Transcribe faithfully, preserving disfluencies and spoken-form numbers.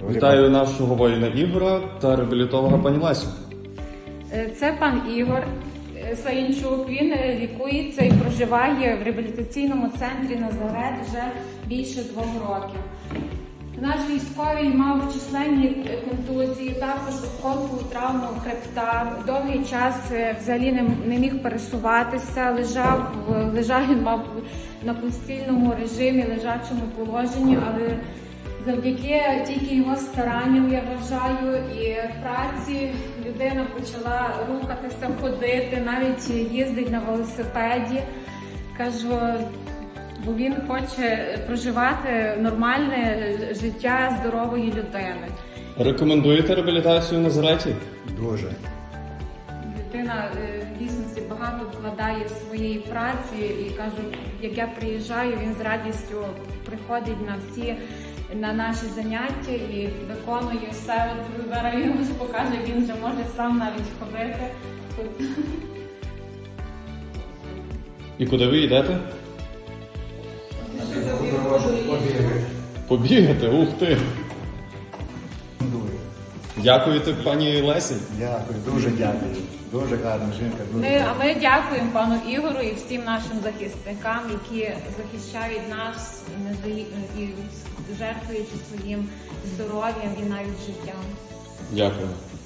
Вітаю нашого воїна Ігора та реабілітолога пані Лесю. Це пан Ігор Слаїнчук. Він лікується і проживає в реабілітаційному центрі Назарет вже більше двох років. Наш військовий мав численні контузії, також осколкову травму хребта. Довгий час взагалі не, не міг пересуватися, лежав, лежав він мав на постільному режимі, лежачому положенні, але завдяки тільки його старанням, я вважаю, і праці людина почала рухатися, ходити, навіть їздить на велосипеді. Кажу, бо він хоче проживати нормальне життя здорової людини. Рекомендуєте реабілітацію в Назареті? Дуже. Людина в дійсності багато вкладає своєї праці і кажу, як я приїжджаю, він з радістю приходить на всі на наші заняття і виконує все. От зараз він покаже, він вже може сам навіть ходити. І куди ви йдете? Побігати? Ух ти! Дякуєте пані Лесі? Дякую, дуже дякую. Дуже гарна жінка. Дуже Ми, дякую. а ми дякуємо пану Ігору і всім нашим захисникам, які захищають нас і, не дає- і жертвуючи своїм здоров'ям і навіть життям. Дякую.